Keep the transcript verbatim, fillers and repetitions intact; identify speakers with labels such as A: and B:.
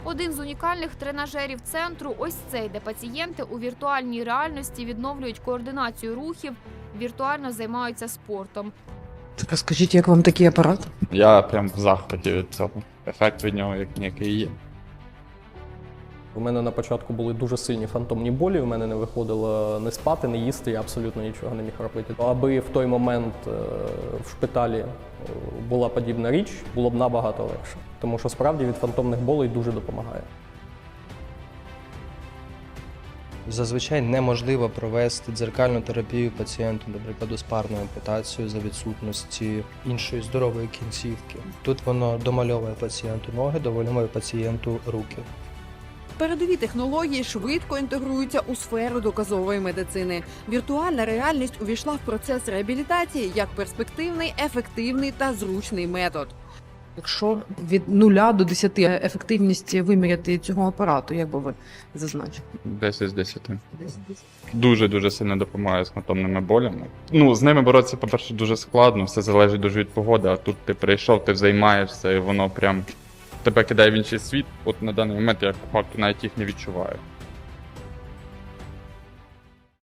A: Один з унікальних тренажерів центру – ось цей, де пацієнти у віртуальній реальності відновлюють координацію рухів, віртуально займаються спортом.
B: Так, а скажіть, як вам такий апарат?
C: Я прям в захваті від цього. Ефект від нього як ніякий є.
D: У мене на початку були дуже сильні фантомні болі, у мене не виходило не спати, не їсти, я абсолютно нічого не міг робити. Аби в той момент в шпиталі була подібна річ, було б набагато легше. Тому що справді від фантомних болей дуже допомагає.
E: Зазвичай неможливо провести дзеркальну терапію пацієнту, наприклад, з парною ампутацією за відсутності іншої здорової кінцівки. Тут воно домальовує пацієнту ноги, домальовує пацієнту руки.
F: Передові технології швидко інтегруються у сферу доказової медицини. Віртуальна реальність увійшла в процес реабілітації як перспективний, ефективний та зручний метод.
B: Якщо від нуля до десяти ефективність виміряти цього апарату, як би ви зазначили?
C: десять з десяти. Дуже-дуже сильно допомагає з фантомними болями. Ну, з ними боротися, по-перше, дуже складно, все залежить дуже від погоди, а тут ти прийшов, ти займаєшся, і воно прям тебе кидає в інший світ. От на даний момент я по факту навіть їх не відчуваю.